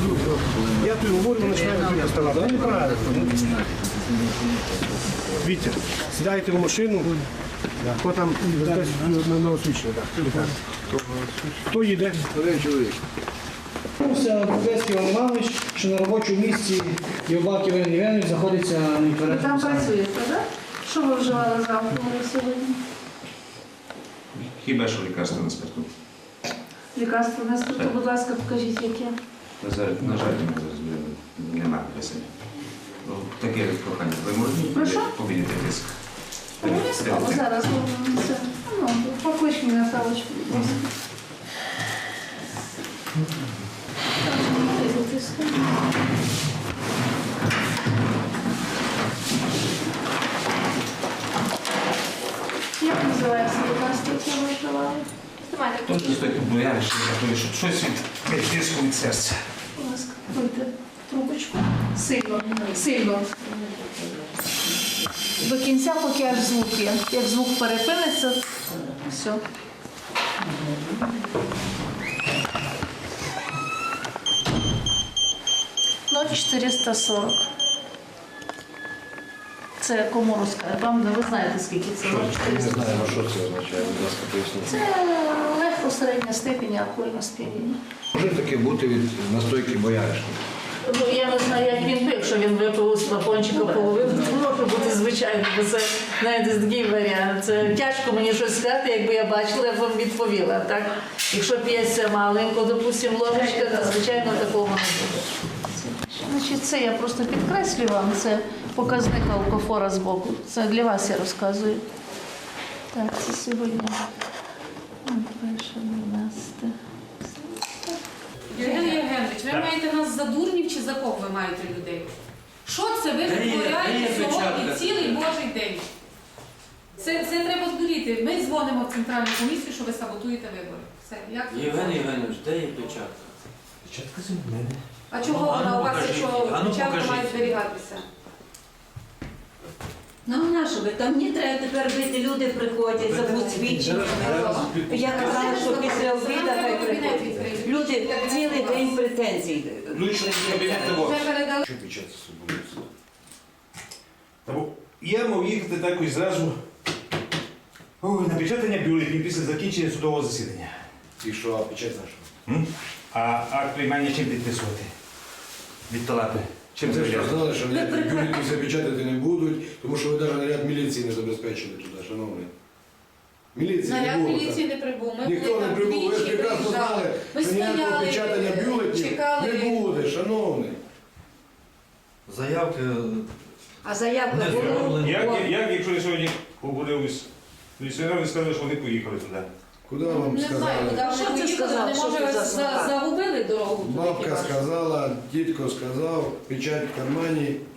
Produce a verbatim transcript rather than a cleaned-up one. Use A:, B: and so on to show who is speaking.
A: Я тобі говорю, ми починаємо тут доставати. Ну, неправильно. Вітя, сідайте в машину. Хто там на новосвічення? Хто їде? Один чоловік. Одеський Іван Іванович, що на робочому місці Євбак Євген Євгенович знаходиться на
B: Ви
A: інтернеті.
B: там працюєте, так? Що ви вживали зранку сьогодні?
C: Хіба що лікарство на спирту?
B: Лікарство на спирту, будь ласка, покажіть, яке.
C: На жаль, на жаль, ми зараз немає для себе. Ну, таке прохання. Ви можете
B: Прошу?
C: поміняти тиск?
B: Обов'язково зараз робимо це. Ну, поклич мене Савочку, будь ласка. Як називається лікарство, яке ви вживали?
C: Тут не стоїть бояри, що готові, щоб щось від від тиску від серця.
B: Будь ласка, пийте трубочку. Сильно, сильно. До кінця, поки аж звук є. Як звук перепиниться, все. ноль чотириста сорок. Це кому розказати? Вам ви знаєте, скільки це?
D: Не знаємо, що це означає, будь ласка, поясніть.
B: Це легко середня степінь алкогольного сп'яніння.
D: Може таке бути від настойки бояришника?
B: Ну, я не знаю, як він пив, що він випив з флакончика половину, може бути звичайно, бо це, знаєте, такий варіант. Це тяжко мені щось сказати, якби я бачила, я б вам відповіла. Так? Якщо п'ється маленько, допустимо, ложечка, то, звичайно, такого не буде. Значить, це я просто підкреслюю вам, це показник алкофора з боку. Це для вас я розказую. Так, це сьогодні. Перше, дванадцяте.
E: Євген Євгенович, ви маєте нас за дурнів чи за кого ви маєте людей? Що це ви витворяєте сьогодні цілий Божий день? Це, це треба здуріти. Ми дзвонимо в Центральну комісію, що ви саботуєте вибори. Все. Як це?
F: Євген Євгенович, де є печатка?
D: Печатка з мене.
E: А чого
F: Ну, а ну,
E: вона у вас,
F: покажіть.
E: якщо
F: А ну,
E: печатка
F: покажіть.
E: має зберігатися?
G: Ну, на що ви? Там мені треба тепер бити, люди приходять, забудь свідчення. Я казала, що після обіду хай приходять. Люди цілий день претензій.
C: Лучше кабінет того.
E: Вже передали.
H: Що печатка собою? Та бо я мав їхати також зразу ой, на печатання бюлетнів після закінчення судового засідання.
D: І що, а печать за що?
H: М? А акт приймання чим підписувати? Від талапи. Чим
D: Це ж
H: завіряти?
D: знали, що ніякі бюлетні запечатати не будуть, тому що ви навіть наряд міліції не забезпечили туди, шановні. Міліції не
E: Наряд
D: було.
E: міліції
D: там.
E: не прибув. Ми
D: Ніхто
E: були
D: не
E: там
D: прибув, ви ж
E: двічі,
D: прекрасно
E: приїжджали.
D: знали,
E: Ми
D: що ніякого
E: стояли,
D: печатання бюлетнів
E: чекали.
D: не буде, шановні.
F: Заявки
G: А заявка
F: не
G: була.
F: зроблені.
H: Як, як якщо я сьогодні поговорив із міліціонером, сказали, що вони поїхали туди?
D: Куди вам
E: Не знаю,
D: сказали?
E: куди вони
G: Що ти
E: поїхали,
G: сказав?
E: вони,
G: Що
E: може,
G: ти за
E: за-
G: слова?
E: загубили дорогу туди.
D: Бабка
E: хіба що?
D: сказала, дідко сказав, печать в кармані,